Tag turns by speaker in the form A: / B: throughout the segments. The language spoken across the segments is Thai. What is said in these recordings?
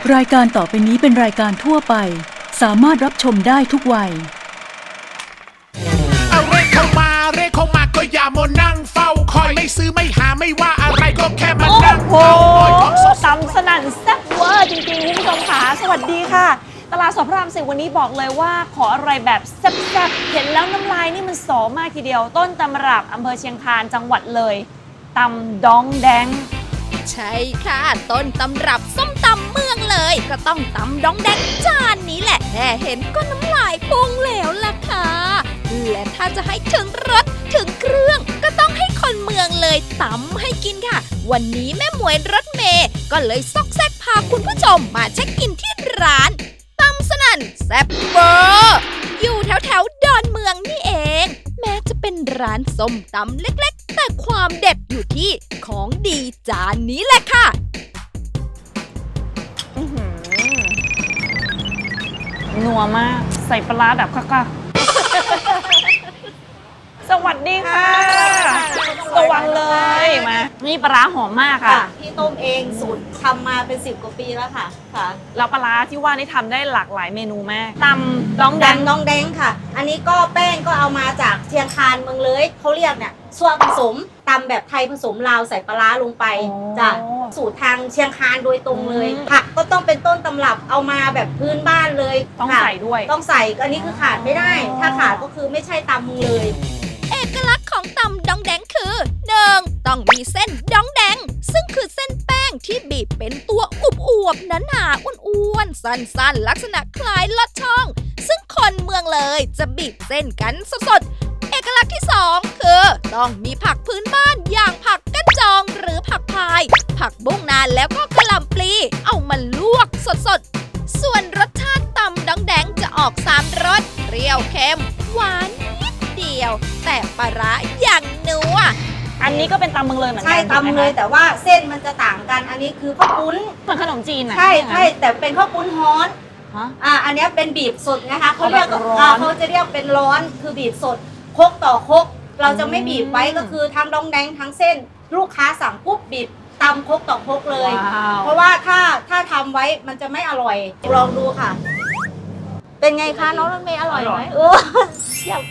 A: รายการต่อไปนี้เป็นรายการทั่วไปสามารถรับชมได้ทุกวัย
B: เอาเรียกเข้ามาก็อย่ามัวนั่งเฝ้าคอยไม่ซื้อไม่หาไม่ว่าอะไรก็แค่มานั่งเฝ้าคอยของสด
C: ตำสนั่นแซ่บเวอร์จริงๆคุณผู้ชมค่ะสวัสดีค่ะตลาดสดพระราม 10วันนี้บอกเลยว่าขออะไรแบบแซ่บๆเห็นแล้วน้ำลายนี่มันสอมากทีเดียวต้นตำรับอำเภอเชียงคานจังหวัดเลยตำดองแดง
D: ใช่ค่ะต้นตำรับส้มตำเมืองเลยก็ต้องตำดองแดงจานนี้แหละแค่เห็นก็น้ำลายพุ่งแล้วล่ะค่ะและถ้าจะให้ถึงรสถึงเครื่องก็ต้องให้คนเมืองเลยตำให้กินค่ะวันนี้แม่หมวยรถเมย์ก็เลยซอกแซกพาคุณผู้ชมมาเช็คอินที่ร้านตำสนั่นแซ่บเวอร์อยู่แถวดอนเมืองนี่เองแม้จะเป็นร้านส้มตำเล็กๆแต่ความเด็ดอยู่ที่ของดีจานนี้แหละค่ะ
C: นัวมากใส่ปลาร้าแบบค่ะสวัสดีค่ะสวัสดีเลยมานี่ปลาร้าหอมมากค่ะ
E: พี่ต้มเองสูตรทำมาเป็น10 กว่าปีแล้วค่ะ
C: แล้วปลาร้าที่ว่านี่ทำได้หลากหลายเมนูมากตำดองแดง
E: น้องแดงค่ะอันนี้ก็แป้งก็เอามาจากเชียงคานเมืองเลยเขาเรียกเนี่ยส่วนผสมตำแบบไทยผสมลาวใส่ปลาร้าลงไปจ้ะสูตรทางเชียงคานโดยตรงเลยผักก็ต้องเป็นต้นตำรับเอามาแบบพื้นบ้านเลย
C: ต้องใส่ด้วย
E: ต้องใส่อันนี้คือขาดไม่ได้ถ้าขาดก็คือไม่ใช่ตำมึงเลย
D: เอกลักษณ์ของตำดองแดงคือ 1. ต้องมีเส้นดองแดงซึ่งคือเส้นแป้งที่บีบเป็นตัวอวบๆหนาๆอ้วนๆสั้นๆลักษณะคล้ายลอดช่องซึ่งคนเมืองเลยจะบีบเส้นกันสดๆเอกลักษณ์ที่ 2 คือต้องมีผักพื้นบ้านอย่างผักกั้นจองหรือผักพายผักบุ้งนานแล้วก็กะหล่ำปลีเอามาลวกสดๆส่วนรสชาติตำดองแดงจะออก3 รสเปรี้ยวเค็มหวานเดียวแต่ปลาร้าอย่างนัว
C: อันนี้ก็เป็นตำเมืองเลยเหมือนกัน
E: ใช่ตำเลยแต่ว่าเส้นมันจะต่างกันอันนี้คือข้าวปุ้น
C: เหมือนขนมจีนอ่ะ
E: ใช่แต่เป็นข้าวปุ้นฮ้อนอันนี้เป็นบีบสดนะคะเขาเรียกเขาจะเรียกเป็นร้อนคือบีบสดครกต่อครกเราจะไม่บีบไว้ก็คือทั้งดองแดงทั้งเส้นลูกค้าสั่งปุ๊บบีบตำครกต่อครกเลยเพราะว่าถ้าทำไว้มันจะไม่อร่อยลองดูค่ะเป็นไงคะน้องรถเมย์อร่อยไหมเยี่ยม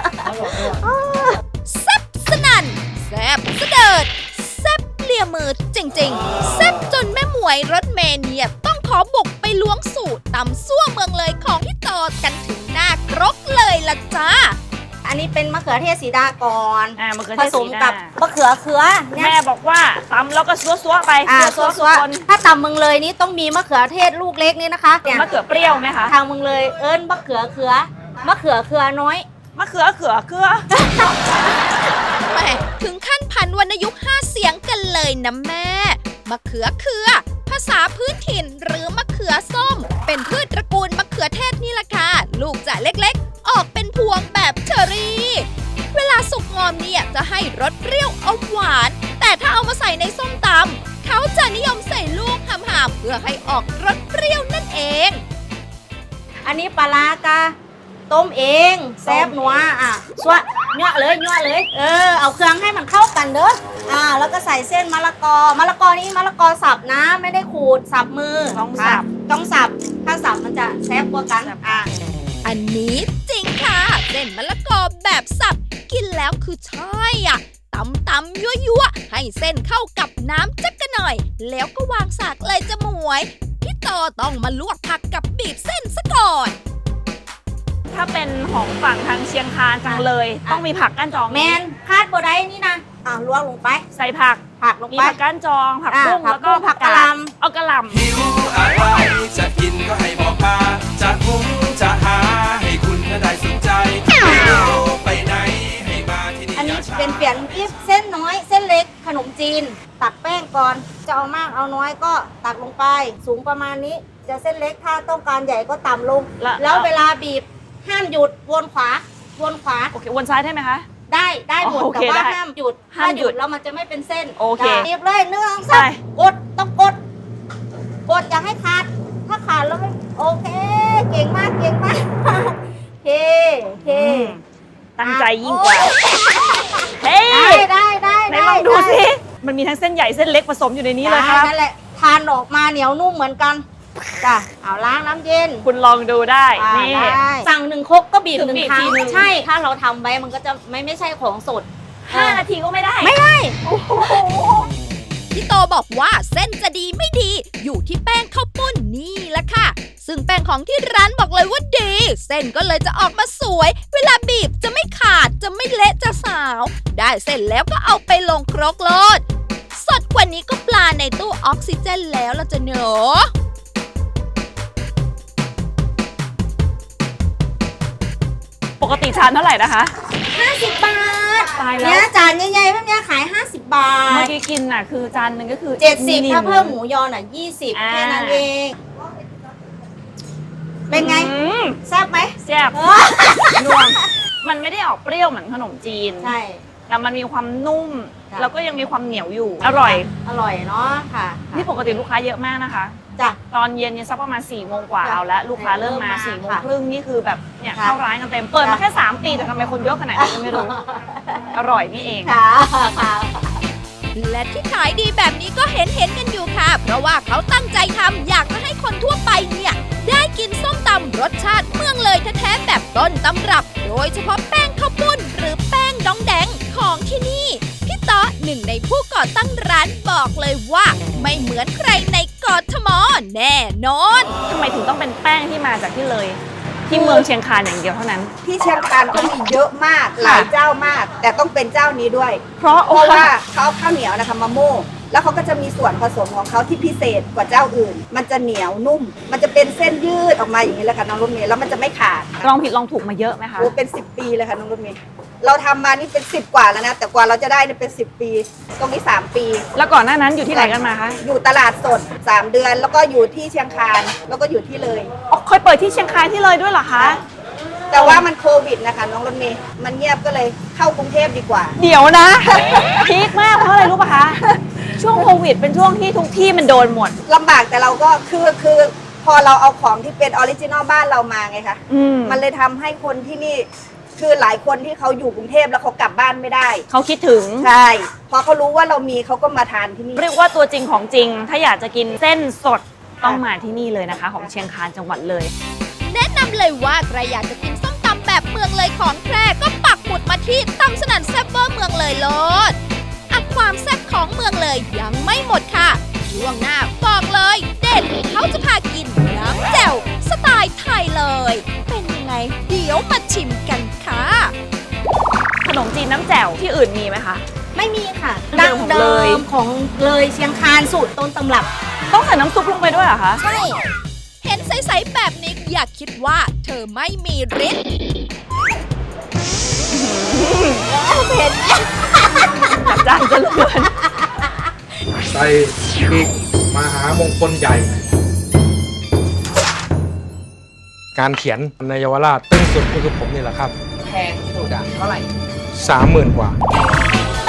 D: แซ่บสนั่นแซ่บเสดิร์ดแซ่บเลียมือจริงๆแซ่บจนแม่หมวยรถเมย์เนี่ยต้องขอบุกไปล้วงสูตรตำซั่วเมืองเลยของพี่ต่อกันถึงหน้าครกเลยล่ะจ้า
E: อันนี้เป็นมะเขือเทศสีดาก่อน
C: ผ
E: สมกับมะเขือเขือ
C: แม่บอกว่าตำแล้วก็ซัวๆไป
E: ซัวถ้าตำเมืองเลยนี่ต้องมีมะเขือเทศลูกเล็กนี่นะคะ
C: มะเขือเปรี้ยวไหมคะ
E: ทางเมืองเลยเอิ้นมะเขือเขือมะเขือเขือน้อย
C: มะเขือ
D: แม่ถึงขั้นพันวรรณยุกต์5 เสียงกันเลยนะแม่มะเขือเขือภาษาพื้นถิ่นหรือมะเขือส้มเป็นพืชตระกูลมะเขือเทศนี่ล่ะค่ะลูกจะเล็กๆออกเป็นพวงแบบเชอรี่เวลาสุกงอมเนี่ยจะให้รสเปรี้ยวอมหวานแต่ถ้าเอามาใส่ในส้มตำเขาจะนิยมใส่ลูกหำๆเพื่อให้ออกรสเปรี้ยวนั่นเอง
E: อันนี้ปลาร้ากะต้มเองแซ่บนัวสวะเนาะเลยเอาเครื่องให้มันเข้ากันเด้อแล้วก็ใส่เส้นมะละกอนี่มะละกอสับนะไม่ได้ขูดสับมือ
C: ต้อง
E: สับถ้าสับมันจะแซ่บกว่ากัน
D: อันนี้จริงค่ะเส้นมะละกอแบบสับกินแล้วคือใช่ตำยั่วให้เส้นเข้ากับน้ำจักกันหน่อยแล้วก็วางสากเลยจะหมวยพี่ต่อต้องมาลวกผักกับบีบเส้นซะก่อน
C: ถ้าเป็นของฝั่งทางเชียงคานจังเลยต้องมีผักก้านจอง
E: แมนคาดบ่ได้นี่นะลวกลงไป
C: ใส่ผัก
E: ลงไป
C: มีผักก้านจองผักบุ้งแล้วก็
E: ผักกะหล่ำ
C: เอากะหล่ำ
B: หิวอะไรจะกินก็ให้บอกมาจะหุงจะหาให้คุณได้สนใจไม่รู้ไปไหนให้มาที่นี่
E: อันนี้เป็นเปลี่ยนเส้นน้อยเส้นเล็กขนมจีนตักแป้งก่อนจะเอามากเอาน้อยก็ตักลงไปสูงประมาณนี้จะเส้นเล็กถ้าต้องการใหญ่ก็ต่ำลงแล้วเวลาบีบห้ามหยุดวนขวา
C: โอเควนซ้ายได้ไหมคะ
E: ได้หมดแต่ว่าห้ามหยุดถ้าหยุดแล้วมันจะไม่เป็นเส้น
C: โอเค
E: บีบเลย1 2 3ต้องกดอย่าให้ขาดถ้าขาดแล้วไม่โอเคเก่งมากเค
C: ตั้งใจยิ่งกว่าเฮ้ยได้ลองดูสิมันมีทั้งเส้นใหญ่เส้นเล็กผสมอยู่ในนี้เลยครับ
E: นั่นแหละทานออกมาเหนียวนุ่มเหมือนกันจ้ะเอาล้างน้ำเย็น
C: คุณลองดูได้
E: อ่า
C: นี่
E: ได้สั่ง1 ครกก็บีบ
C: คือ
E: 1
C: บีบ
E: ครั้ง
C: ทีนึง
E: ใช่ถ้าเราทำไว้มันก็จะไม่ใช่ของสด
C: 5 นาทีก็ไม่ได้
E: ไม่ได้
D: พี่โตบอกว่าเส้นจะดีไม่ดี อยู่ที่แป้งข้าวปุ้นนี่แหละค่ะ ซึ่งแป้งของที่ร้านบอกเลยว่าดี เส้นก็เลยจะออกมาสวย เวลาบีบจะไม่ขาดจะไม่เละจะสาว ได้เสร็จแล้วก็เอาไปลงครกโลด สดกว่านี้ก็ปลาในตู้ออกซิเจนแล้วล่ะจะเนอะ
C: ปกติชามเท่าไหร่นะคะ
E: 50 บาท
C: ตายแล้ว
E: เนี่ยจานใหญ่ๆแบบเนี้ยขาย 50 บา
C: เมื่อ
E: ท
C: กี้กินน่ะคือจานหนึงก็คือ
E: 70 ถ้าเพิ่มหมูยอน่ะ20
C: อ่า
E: แค่นั้นเอง เป็นไง
C: อืม
E: แซ่บไหม
C: แซ่บนัวมันไม่ได้ออกเปรี้ยวเหมือนขนมจีน
E: ใช่
C: แต่มันมีความนุ่ม
E: ค่ะ
C: แล้วก็ยังมีความเหนียวอยู่ อร่อย
E: อร่อยเนาะค่ะ
C: นี่ปกติลูกค้าเยอะมากนะคะ
E: จ้ะ
C: ตอนเย็นเนี่ยสักประมาณ4 โมงกว่า
E: จ้ะ
C: เอาละลูกค้าเริ่มมา
E: เริ่มมา
C: 4 โมง
E: ค่ะ
C: ครึ่งนี่คือแบบเนี่ย
E: ค่ะ
C: เข้าร้านกันเต็ม เปิดมา
E: ค่ะ
C: แค่ 3 ปีแต่ทำไมคนเยอะขนาดนี้ไม่รู้ อร่อยนี่เอง
E: ค่ะค่ะ
D: และที่ขายดีแบบนี้ก็เห็นกันอยู่ค่ะ เพราะว่าเขาตั้งใจทำอยากจะให้คนทั่วไปเนี่ย ได้กินส้มตำรสชาติเมืองเลยแท้ๆแบบต้นตำรับ โดยเฉพาะแป้งข้าวปุ้นหรือแป้งดองแดงของที่นี่ พี่ต๊อหนึ่งในผู้ก่อตั้งร้านบอกเลยว่า ไม่เหมือนใครในกทมแน่นอน
C: ทำไมถึงต้องเป็นแป้งที่มาจากที่เลย ที่เมืองเชียงคานอย่างเดียวเท่านั้น
F: ที่เชียงคานก็มีเยอะมากหลายเจ้ามาก แต่ต้องเป็นเจ้านี้ด้วย
C: เพราะ
F: เพราะว่าเขาเอาข้าวเหนียวนะคะมาโม่แล้วเขาก็จะมีส่วนผสมของเขาที่พิเศษกว่าเจ้าอื่น มันจะเหนียวนุ่ม มันจะเป็นเส้นยืดออกมาอย่างนี้เลยค่ะน้องรถเมย์แล้วมันจะไม่ขาด
C: ลองผิดลองถูกมาเยอะไหมคะ
F: โอ้เป็น10 ปีเลยค่ะน้องรถเมย์เราทำมานี่เป็น10 กว่าแล้วนะแต่กว่าเราจะได้เนี่ยเป็น10 ปี ตรงนี้3 ปี
C: แล้วก่อนหน้านั้นอยู่ที่ไหนกันมาคะ
F: อยู่ตลาดสด3 เดือน แล้วก็อยู่ที่เชียงคานแล้วก็อยู่ที่เลย
C: อ๋อเคยเปิดที่เชียงคานที่เลยด้วยเหรอคะ
F: แต่ว่ามันโควิดนะคะน้องรถเมย์มันเงียบก็เลยเข้ากรุงเทพดีกว่า
C: เดี๋ยวนะ พีคมากเพราะอะไรรู้ป่ะคะ ช่วงโควิดเป็นช่วงที่ทุกที่มันโดนหมด
F: ลำบากแต่เราก็คือพอเราเอาของที่เป็นออริจินอลบ้านเรามาไงคะ
C: อืม
F: มันเลยทำให้คนที่นี่คือหลายคนที่เขาอยู่กรุงเทพแล้วเขากลับบ้านไม่ได้
C: เขาคิดถึง
F: ใช่พอเขารู้ว่าเรามีเขาก็มาทานที่นี่
C: เรียกว่าตัวจริงของจริง ถ้าอยากจะกินเส้นสดต้องมาที่นี่เลยนะคะ ของเชียงคานจังหวัดเลย
D: แนะนำเลยว่าใครอยากจะกินส้มตำแบบเมืองเลยของแพร่ก็ปักหมุดมาที่ตำสนั่นแซ่บเวอร์เมืองเลยโลดอัดความแซ่บของเมืองเลยยังไม่หมดค่ะ ช่วงหน้าบอกเลยเด็ดเขาจะพากินน้ำแจ่วสไตล์ไทยเลย เป็นยังไง เดี๋ยวมาชิมกันค่ะ
C: ขนมจีนน้ำแจ่วที่อื่นมีไหมคะ
E: ไม่มีค่ะ
C: เดิ
E: ดั้
C: ม
E: ง
C: ของ
E: เดิ
C: เลย
E: มของเลยเชียงคานสูตรต้นตำรับ
C: ต้องใส่น้ำซุปลงไปด้วยเหรอคะ
E: ใช่
D: เห็นใสๆแบบนี้อย่าคิดว่าเธอไม่มีฤทธิ์
C: จัดจ้านจนเหลือเกิน
G: ใส่พริกมหามงคลใหญ่ การเขียนในเยาวราชตึ้งสุดก็คือผมนี่แหละครับ
H: แพงสุดอะเท่าไหร่
G: 30,000 กว่า
H: โ